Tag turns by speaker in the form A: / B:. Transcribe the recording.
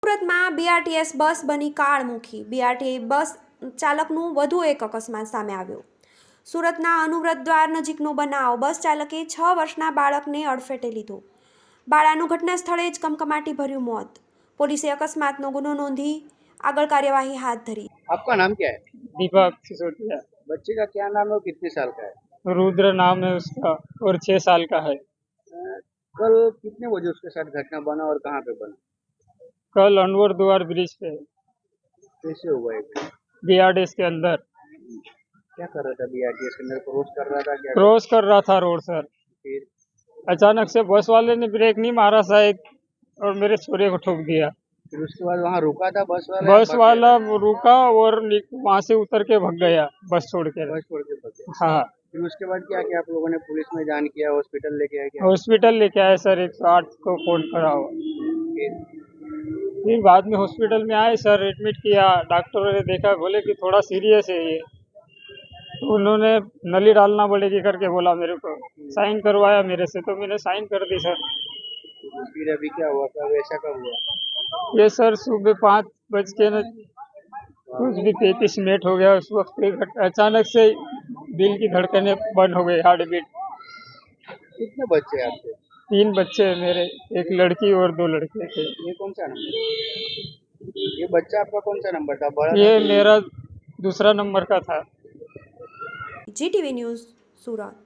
A: સુરતમાં BRTS bus બની કાળમુખી। BRTS bus ચાલકનું વધુ એક અકસ્માત સામે આવ્યો। સુરતના અનુવ્રત દ્વાર નજીકનો બનાવ। બસ ચાલકે 6 વર્ષના બાળકને અડફેટે લીધો। બાળાનું ઘટના સ્થળે જ કમકમાટી ભર્યું મોત। પોલીસે અકસ્માતનો ગુનો નોંધી આગળ કાર્યવાही हाथ धरी।
B: आपका नाम क्या है?
C: दीपक सिसोदिया।
B: बच्चे का क्या नाम है और कितने साल का है?
C: रुद्र नाम है उसका और 6 साल का है।
B: कल कितने बजे उसके साथ घटना बना और कहाँ पे बना?
C: कल अनवर द्वार ब्रिज पे
B: कैसे हुआ है?
C: बीआरटीएस के अंदर
B: क्या कर रहा था? बीआरटीएस के अंदर क्रॉस कर रहा था क्या?
C: क्रॉस कर रहा था रोड सर।
B: फिर
C: अचानक से बस वाले ने ब्रेक नहीं मारा शायद और मेरे छोरे को ठोक दिया।
B: फिर उसके बाद वहाँ रुका था बस वाला?
C: बस वाला रुका और वहाँ से उतर के भाग गया बस छोड़ के।
B: बस छोड़ के भाग गया।
C: हाँ,
B: फिर उसके बाद क्या किया आप लोगों ने? पुलिस में जान किया, हॉस्पिटल लेके आए क्या?
C: हॉस्पिटल लेके आए सर, 108 को फोन करा हुआ। फिर बाद में हॉस्पिटल में आए सर, एडमिट किया। डॉक्टरों ने देखा, बोले कि थोड़ा सीरियस है ये, तो उन्होंने नली डालना पड़ेगी करके बोला मेरे को। साइन करवाया मेरे से, तो मैंने साइन कर दी सर।
B: फिर अभी क्या हुआ? कब ऐसा कब हुआ?
C: ये सर सुबह 5:35 हो गया। उस वक्त अचानक से दिल की धड़कनें बंद हो गई, हार्ट बीट।
B: कितने बच्चे हैं आपके?
C: 3 बच्चे हैं मेरे, एक लड़की और 2 लड़के थे।
B: ये कौन सा नंबर? ये बच्चा आपका कौन सा नंबर था? बड़ा
C: ये मेरा दूसरा नंबर का था।
A: GTV न्यूज़ सूरत।